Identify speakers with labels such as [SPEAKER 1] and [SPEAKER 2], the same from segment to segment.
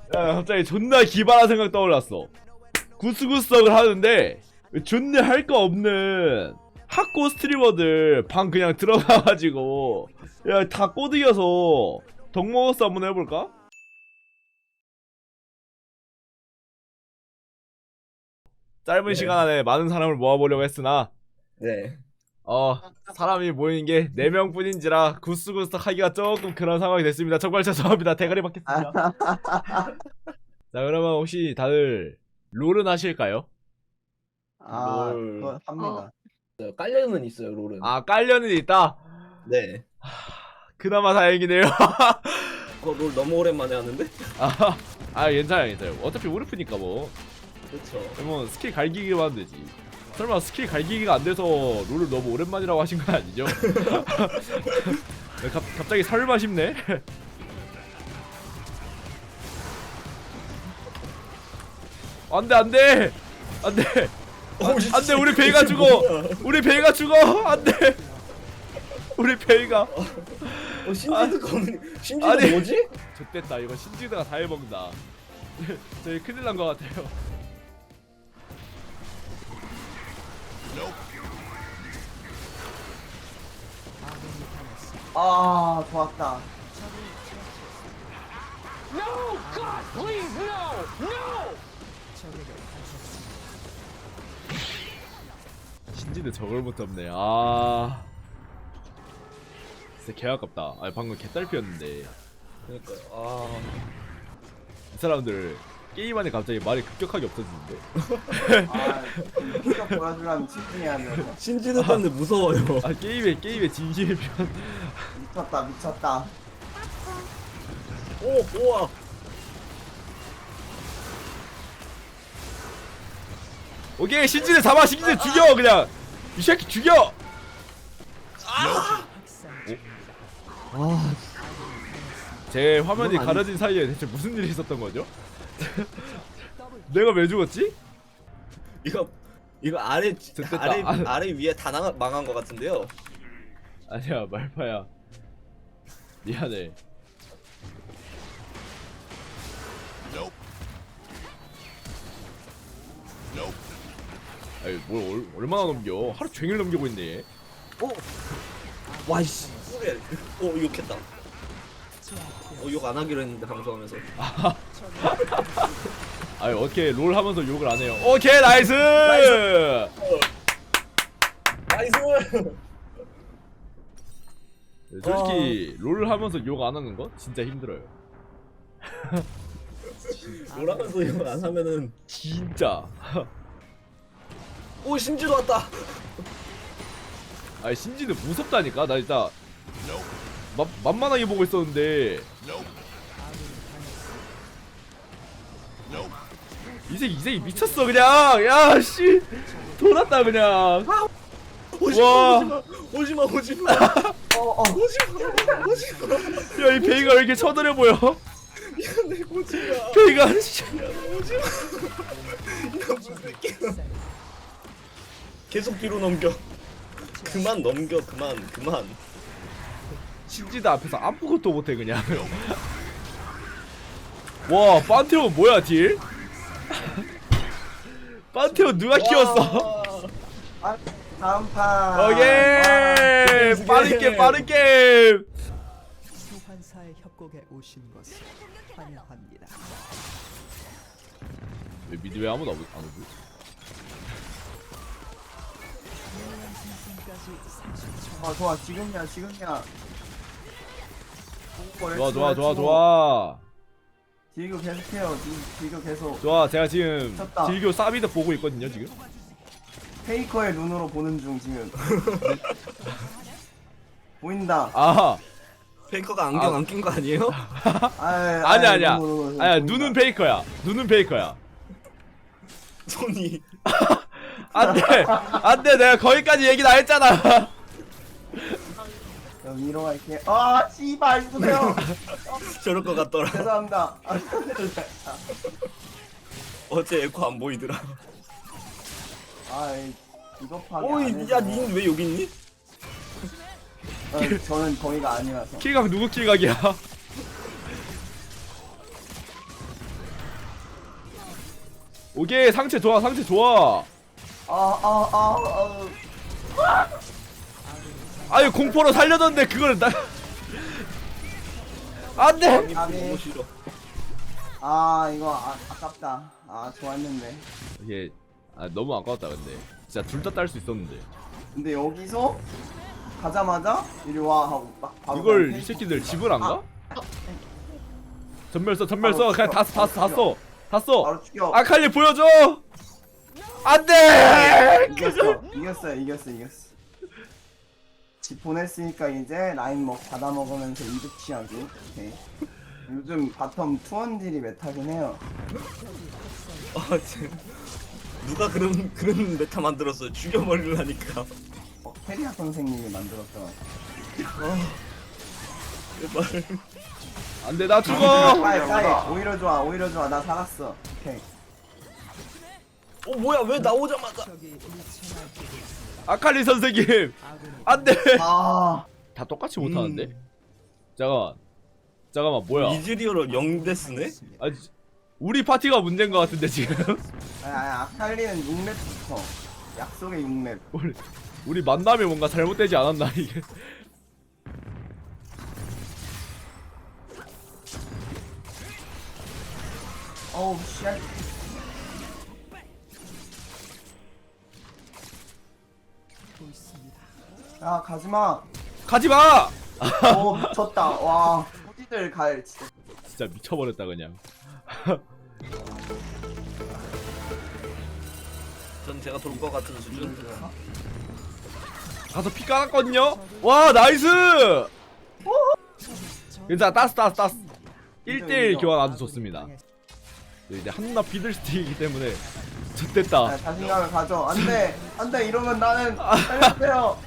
[SPEAKER 1] 야, 갑자기 존나 기발한 생각 떠올랐어. 구스구스덕을 하는데 존나 할 거 없는 학고 스트리머들 방 그냥 들어가가지고 야 다 꼬드겨서 덕먹어서 한번 해볼까? 짧은
[SPEAKER 2] 네.
[SPEAKER 1] 시간 안에 많은 사람을 모아보려고 했으나
[SPEAKER 2] 네.
[SPEAKER 1] 사람이 모이는 게 4명 뿐인지라 구스구스덕 하기가 조금 그런 상황이 됐습니다. 정말 죄송합니다. 대가리 받겠습니다. 자, 그러면 혹시 다들 롤은 하실까요?
[SPEAKER 2] 롤.
[SPEAKER 3] 그거 합니다.
[SPEAKER 2] 깔려는 있어요, 롤은.
[SPEAKER 1] 아, 깔려는 있다?
[SPEAKER 2] 네.
[SPEAKER 1] 그나마 다행이네요.
[SPEAKER 2] 그거 롤 너무 오랜만에 하는데?
[SPEAKER 1] 괜찮아요, 괜찮아요. 어차피 우르프니까 뭐.
[SPEAKER 2] 그쵸.
[SPEAKER 1] 뭐 스킬 갈기기만 하면 되지. 설마 스킬 갈기기가 안 돼서 롤을 너무 오랜만이라고 하신 건 아니죠? 갑자기 설마 싶네. 안돼 안돼 안돼 안돼 우리 베이가 죽어. 우리 베이가 죽어. 안돼. 우리 베이가.
[SPEAKER 2] 신지드가 신지드
[SPEAKER 1] 아니.
[SPEAKER 2] 뭐지?
[SPEAKER 1] 좋됐다. 이거 신지드가 다 해먹는다. 저희 큰일 난 것 같아요.
[SPEAKER 3] 아, 좋았다.
[SPEAKER 1] 신지드 저걸 못 잡네. 진짜 개 아깝다. 방금 개딸피였는데
[SPEAKER 2] 그러니까요.
[SPEAKER 1] 이 사람들 게임 안에 갑자기 말이 급격하게 없어지는데.
[SPEAKER 3] 이거 보여주려면 집중해야 돼.
[SPEAKER 2] 신지드 때문에 무서워요.
[SPEAKER 1] 게임의 진심의 편.
[SPEAKER 3] 미쳤다, 미쳤다.
[SPEAKER 2] 오, 우와.
[SPEAKER 1] 오케이, 신지드 잡아. 신지드 죽여 그냥. 이 새끼 죽여. 제 화면이
[SPEAKER 2] 이건 아니-
[SPEAKER 1] 가려진 사이에 대체 무슨 일이 있었던 거죠? 내가 왜 죽었지?
[SPEAKER 2] 이거 아래
[SPEAKER 1] 됐다.
[SPEAKER 2] 아래 위에 다 망한 것 같은데요.
[SPEAKER 1] 아니야, 말파야. 미안해. 아니 뭘 얼마나 넘겨? 하루 종일 넘기고 있네 얘.
[SPEAKER 2] 와이씨. 오, 욕했다. 욕 안 하기로 했는데 방송하면서.
[SPEAKER 1] 아니 어떻게 롤 하면서 욕을 안 해요? 오케이 나이스.
[SPEAKER 2] 나이스.
[SPEAKER 1] 솔직히 롤 하면서 욕 안 하는 거 진짜 힘들어요.
[SPEAKER 2] 롤하면서 욕 안 하면은.
[SPEAKER 1] 진짜.
[SPEAKER 2] 오, 신지도 왔다.
[SPEAKER 1] 아니 신지는 무섭다니까. 나 진짜 만만하게 보고 있었는데 이 새끼 미쳤어 그냥. 야씨 돌았다 그냥. 와.
[SPEAKER 2] 오지마. 오지마.
[SPEAKER 1] 야 이 베이가 왜 이렇게 처들해 보여?
[SPEAKER 2] 내 오지마.
[SPEAKER 1] 베이가 씨.
[SPEAKER 2] 계속 뒤로 넘겨. 그만 넘겨. 그만.
[SPEAKER 1] 신지드 앞에서 아무것도 못해 그냥. 와 판테온 뭐야 딜? 판테온 누가 키웠어?
[SPEAKER 3] 아, 다음 판.
[SPEAKER 1] 오케이 빠른 게임.
[SPEAKER 4] 소환사의 협곡에 오신 것을 환영합니다.
[SPEAKER 1] 왜 미드 왜 아무도 안 오지?
[SPEAKER 3] 좋아, 지금이야.
[SPEAKER 1] 좋아.
[SPEAKER 3] 딜교 계속해요. 딜교 계속.
[SPEAKER 1] 좋아 제가 지금
[SPEAKER 3] 쳤다.
[SPEAKER 1] 딜교 사비드 보고 있거든요 지금.
[SPEAKER 3] 페이커의 눈으로 보는 중 지금. 보인다.
[SPEAKER 2] 페이커가 안경 안 낀 거 아니에요?
[SPEAKER 1] 아니야. 아니야 눈은 페이커야.
[SPEAKER 2] 손이.
[SPEAKER 1] 안돼 내가 거기까지 얘기 다 했잖아.
[SPEAKER 3] 위로 갈게. 씨발 이쁘세요.
[SPEAKER 2] 저럴 것 같더라.
[SPEAKER 3] 죄송합니다.
[SPEAKER 2] 어제 에코 안 보이더라.
[SPEAKER 3] 이거 파괴.
[SPEAKER 2] 오이, 야, 닌 왜 여기 있니?
[SPEAKER 3] 저는 거기가 아니라서.
[SPEAKER 1] 킬각 누구 킬각이야? 오케이 상체 좋아 상체 좋아. 아유 공포로 살려줬는데 그걸 나 안돼.
[SPEAKER 2] 너무 싫어.
[SPEAKER 3] 이거 아깝다. 좋았는데.
[SPEAKER 1] 이게 너무 아까웠다 근데 진짜 둘 다 딸 수 있었는데
[SPEAKER 3] 근데 여기서 가자마자 이리 와 하고 딱 바로
[SPEAKER 1] 이걸
[SPEAKER 3] 그냥
[SPEAKER 1] 이 새끼들 집을 안 가? 전멸 써
[SPEAKER 3] 바로
[SPEAKER 1] 그냥
[SPEAKER 3] 죽여,
[SPEAKER 1] 다 써.
[SPEAKER 3] 바로 죽여.
[SPEAKER 1] 아칼리 보여줘. 안돼.
[SPEAKER 3] 이겼어. 집 보냈으니까 이제 라인 받아 먹으면서 이득 취하기. 오케이. 요즘 바텀 투원딜이 메타긴 해요.
[SPEAKER 2] 누가 그런 메타 만들었어? 죽여버리려니까.
[SPEAKER 3] 페리아 선생님이 만들었던.
[SPEAKER 2] 제발.
[SPEAKER 1] 안돼 나 죽어.
[SPEAKER 3] 까이. 오히려 좋아. 나 살았어. 오케이.
[SPEAKER 2] 뭐야 왜 나오자마자?
[SPEAKER 4] 적이 일천하게
[SPEAKER 1] 아칼리 선생님
[SPEAKER 4] 아군이
[SPEAKER 1] 안돼.
[SPEAKER 3] 다
[SPEAKER 1] 똑같이 못하는데. 잠깐만 뭐야?
[SPEAKER 2] 이즈리어로 0데스네?
[SPEAKER 1] 아 우리 파티가 문제인 것 같은데 지금.
[SPEAKER 3] 아칼리는 6렙부터 약속의 6렙.
[SPEAKER 1] 우리 만남이 뭔가 잘못되지 않았나 이게.
[SPEAKER 3] 어우 쉣.
[SPEAKER 4] 있습니다.
[SPEAKER 3] 야 가지마.
[SPEAKER 1] 가지마.
[SPEAKER 3] 미쳤다. 와 어디들 갈 진짜.
[SPEAKER 1] 진짜 미쳐버렸다 그냥.
[SPEAKER 2] 전 제가 돌 것 같은 수준.
[SPEAKER 1] 가서 피 깔았거든요. 와 나이스. 괜찮아 따스. 1대1 교환 아주 좋습니다. 이제 한나 비들스틱이기 때문에 좋됐다.
[SPEAKER 3] 자신감을 가져. 안돼 이러면 나는 살려주세요.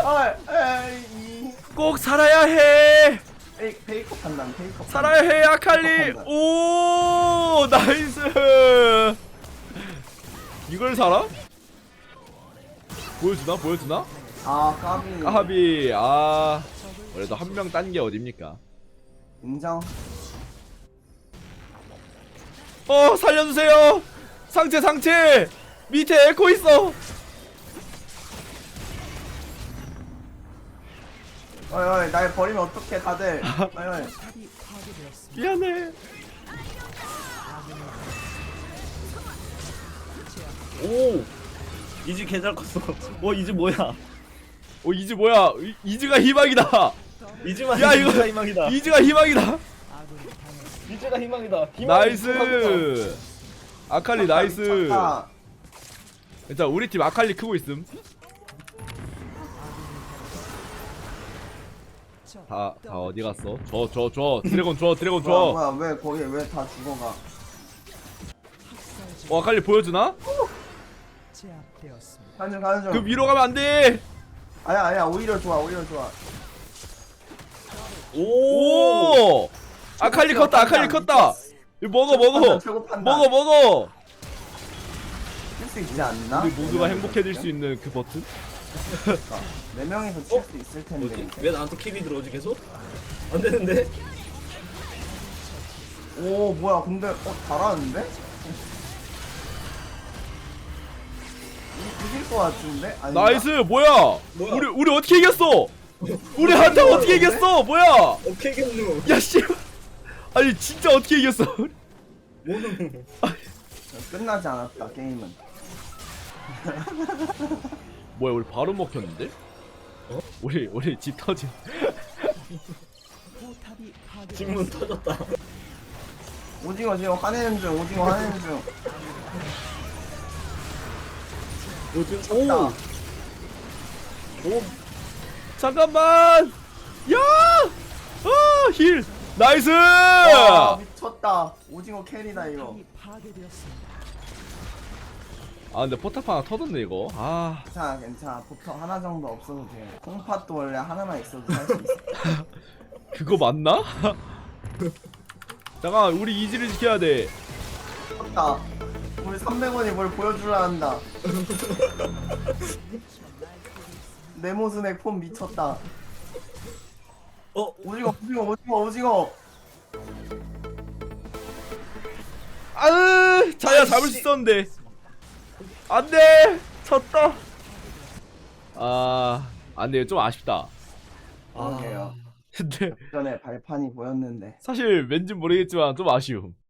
[SPEAKER 1] 꼭 살아야 해.
[SPEAKER 3] 페이커 판단.
[SPEAKER 1] 살아야 해 아칼리. 오 나이스. 이걸 살아? 보여주나?
[SPEAKER 3] 까비.
[SPEAKER 1] 까비. 그래도 한 명 딴 게 어딥니까?
[SPEAKER 3] 인정.
[SPEAKER 1] 살려주세요. 상체 밑에 에코 있어.
[SPEAKER 3] 어이 날 버리면 어떡해 다들. 어이
[SPEAKER 4] 탑이 파괴되었습니다.
[SPEAKER 1] 미안해.
[SPEAKER 2] 오 이즈 개잘 컸어. 이즈 뭐야?
[SPEAKER 1] 이즈 뭐야? 이즈가 희망이다.
[SPEAKER 2] 이즈만
[SPEAKER 1] 야, 이거-
[SPEAKER 2] 이즈가 희망이다.
[SPEAKER 1] 이즈가 희망이다.
[SPEAKER 4] 아군이 당했습니다.
[SPEAKER 2] 이즈가 희망이다.
[SPEAKER 1] 나이스. 아칼리 나이스.
[SPEAKER 3] 미쳤다.
[SPEAKER 1] 일단 우리 팀 아칼리 크고 있음. 다 어디 갔어? 저 드래곤 줘.
[SPEAKER 3] 뭐야 왜 거기 왜 다 죽어가.
[SPEAKER 1] 아칼리 보여주나?
[SPEAKER 4] 제압되었습니다.
[SPEAKER 3] 가는 중.
[SPEAKER 1] 그 위로 가면 안 돼.
[SPEAKER 3] 아니야 오히려 좋아.
[SPEAKER 1] 오! 아칼리 컸다. 이거 먹어.
[SPEAKER 3] 최고 판단.
[SPEAKER 1] 먹어.
[SPEAKER 3] 칠 수 있지 않나?
[SPEAKER 1] 우리 모두가 행복해질 수 있는 그 버튼?
[SPEAKER 3] 네 명이서 칠 수 있을 텐데.
[SPEAKER 2] 뭐지?
[SPEAKER 3] 이제.
[SPEAKER 2] 왜 나한테 킬이 들어오지 계속? 안 되는데?
[SPEAKER 3] 오 뭐야 근데 잘하는데? 이길 것 같은데? 아닌가?
[SPEAKER 1] 나이스. 뭐야?
[SPEAKER 2] 뭐야?
[SPEAKER 1] 우리 어떻게 이겼어? 우리 한타 어떻게 이겼어? 뭐야?
[SPEAKER 2] 오케이 겠누.
[SPEAKER 1] 야 씨. 아니 진짜 어떻게 이겼어?
[SPEAKER 2] 뭐는?
[SPEAKER 3] 끝나지 않았다 게임은.
[SPEAKER 1] 뭐야 우리 바로 먹혔는데? 우리 집 터진.
[SPEAKER 4] 포탑이 파괴되었습니다.
[SPEAKER 2] 질문 터졌다.
[SPEAKER 3] 오징어 지금 화내는 중.
[SPEAKER 2] 요즘
[SPEAKER 3] 오.
[SPEAKER 2] 오
[SPEAKER 1] 잠깐만. 야! 힐. 나이스!
[SPEAKER 3] 와 미쳤다. 오징어 캐리다 이거.
[SPEAKER 4] 포탑이 파괴되었습니다.
[SPEAKER 1] 근데 포탑 하나 터졌네 이거.
[SPEAKER 3] 괜찮아. 보통 하나 정도 없어도 돼. 콩팥도 원래 하나만 있어도 살 수 있어.
[SPEAKER 1] 그거 맞나? 잠깐 우리 이지를 지켜야 돼.
[SPEAKER 3] 미쳤다. 우리 300원이 뭘 보여주려 한다. 네모스넥 폼 미쳤다. 오징어.
[SPEAKER 1] 아으! 자야 잡을 수 있었는데. 안돼 졌다. 안돼 좀 아쉽다.
[SPEAKER 3] 그러게요.
[SPEAKER 1] 근데
[SPEAKER 3] 전에 발판이 보였는데.
[SPEAKER 1] 사실 왠지 모르겠지만 좀 아쉬움.